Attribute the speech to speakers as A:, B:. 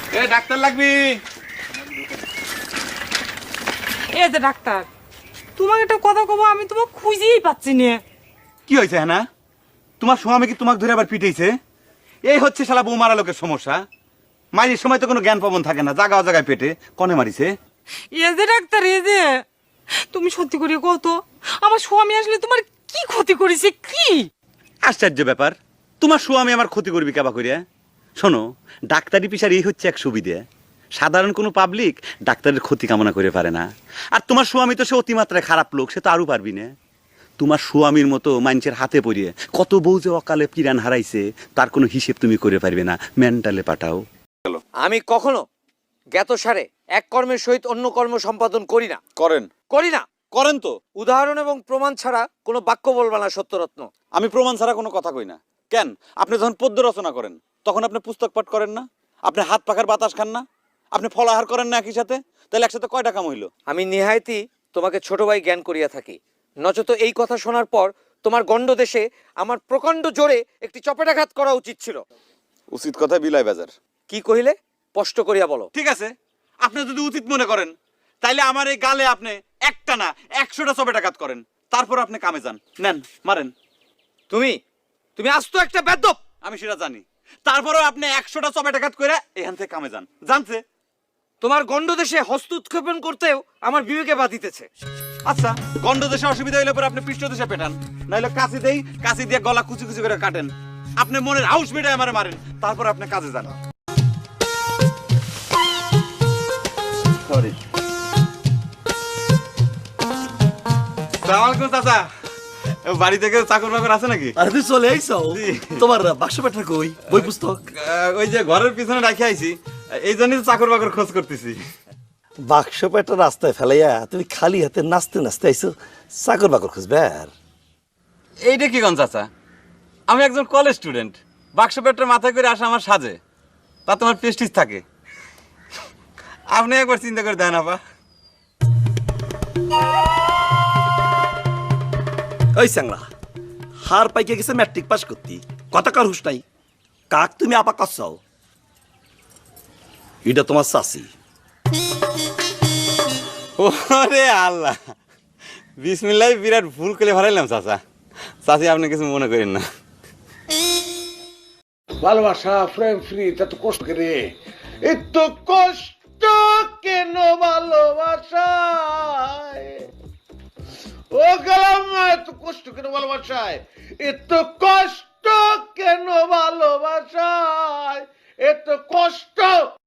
A: এ doctor লাগবি।
B: এই যে ডাক্তার, তোমাকে একটা কথা কব, আমি তোমাকে খুঁজেই পাচ্ছি না।
A: কি হয়েছে হ্যাঁ? তোমার স্বামী কি তোমাকে ধরে আবার পিটাইছে? এই হচ্ছে শালা বউ মারা লোকের সমস্যা। মায়ের সময় তো কোনো জ্ঞান পাবন থাকে না, জায়গা জায়গায় পেটে কনে মারিছে।
B: এই যে ডাক্তার, এই যে তুমি সত্যি করে কত, আমার স্বামী আসলে তোমার কি ক্ষতি করেছে? কি
A: আশ্চর্য ব্যাপার, তোমার স্বামী আমার ক্ষতি করবি কেবা করিয়া? শোনো, ডাক্তারি পেশার এই হচ্ছে এক সুবিধে, সাধারণ কোনো পাবলিক ডাক্তারের ক্ষতি কামনা করে পারে না। আর তোমার স্বামী তো সে অতিমাত্রায় খারাপ লোক, সে তো আরও পারবি না। তোমার স্বামীর মতো মানুষের হাতে পড়িয়ে কত বউ যে অকালে পিরান হারাইছে তার কোনো হিসেব তুমি করে পারবে না। মেন্টালে পাঠাও।
C: আমি কখনো জ্ঞাতসারে এক কর্মের সহিত অন্য কর্ম সম্পাদন করি না। করি না।
A: করেন তো।
C: উদাহরণ এবং প্রমাণ ছাড়া কোনো বাক্য বলবা না সত্যরত্ন।
A: আমি প্রমাণ ছাড়া কোনো কথা কই না। কেন? আপনি যখন পদ্য রচনা করেন তখন আপনি পুস্তক পাঠ করেন না? আপনি হাত পাখার বাতাস খান না? আপনি ফল আহার করেন না একই সাথে? তাহলে একসাথে কয়টা কাম হইল?
C: আমি নিহায়তি তোমাকে ছোট ভাই জ্ঞান করিয়া থাকি, নচত এই কথা শোনার পর তোমার গণ্ড দেশে আমার প্রকাণ্ড জোরে একটি চপেটাঘাত করা উচিত ছিল।
A: উচিত কথা বিলাই বাজার।
C: কি কহিলে স্পষ্ট করিয়া বলো।
A: ঠিক আছে, আপনি যদি উচিত মনে করেন তাইলে আমার এই গালে আপনি একটা না 100টা চপেটাঘাত করেন, তারপর আপনি কামে যান। নেন মারেন।
C: তুমি আস্ত একটা বেদ্যপ।
A: আমি সেটা জানি, তারপরেও আপনি 100টা চপেটাঘাত করে এখান থেকে কামে যান। জানছে?
C: তোমার গণ্ড দেশে হস্ত উৎক্ষেপণ করতেও আমার বিবেকে বাধিতেছে।
A: আচ্ছা, গন্ড দেশে অসুবিধা হইলে পরে আপনি পৃষ্ঠ দেশে পেটান, নাইলে কাশি দেই, কাশি দিয়ে গলা কুচি কুচি করে কাটেন। আপনি মনের হাউস মেটায় আমারে মারেন, তারপর আপনি কাজে যান। সরি। সালাম আলাইকুম চাচা। বাড়ি থেকে চাকর বাকর আছে নাকি?
D: আরে তুই চলে আইছো? তোমার বাক্স পেটটা কই? বই পুস্তক?
A: ওই যে ঘরের পিছনে রাখি আইছি, এই জন্যই তো চাকর বাকর খোঁজ করতেছি।
D: বাক্স পেটটা রাস্তায় ফেলাইয়া তুমি খালি হাতে নাচতে নাচতে আইছো চাকর বাকর খুঁজবে? আর
A: এইটা কি গন চাচা? আমি একজন কলেজ স্টুডেন্ট, বাক্স পেটটা মাথায় করে আসা আমার সাজে, তা তোমার প্রেস্টিজ থাকে। আপনি একবার চিন্তা করে দেন আপা।
D: ওই স্যাংলা, হার পাইকে গেছে ম্যাট্রিক পাস করতি, কথা কার হুস নাই? কাক তুমি আপা কাছাও? এটা তোমার চাষি।
A: ওরে আল্লাহ, বিসমিল্লাহ, বিরাট ভুল করে ভাড়াইলাম চাচা। চাচি আপনি কিছু মনে করেন না।
E: ভালোবাসা ফ্রেম ফ্রি এত কষ্ট করে, এত কষ্ট কেন ভালোবাসায়? ও গেলাম, এত কষ্ট কেন ভালোবাসায়? এত কষ্ট কেন ভালোবাসায়? এত কষ্ট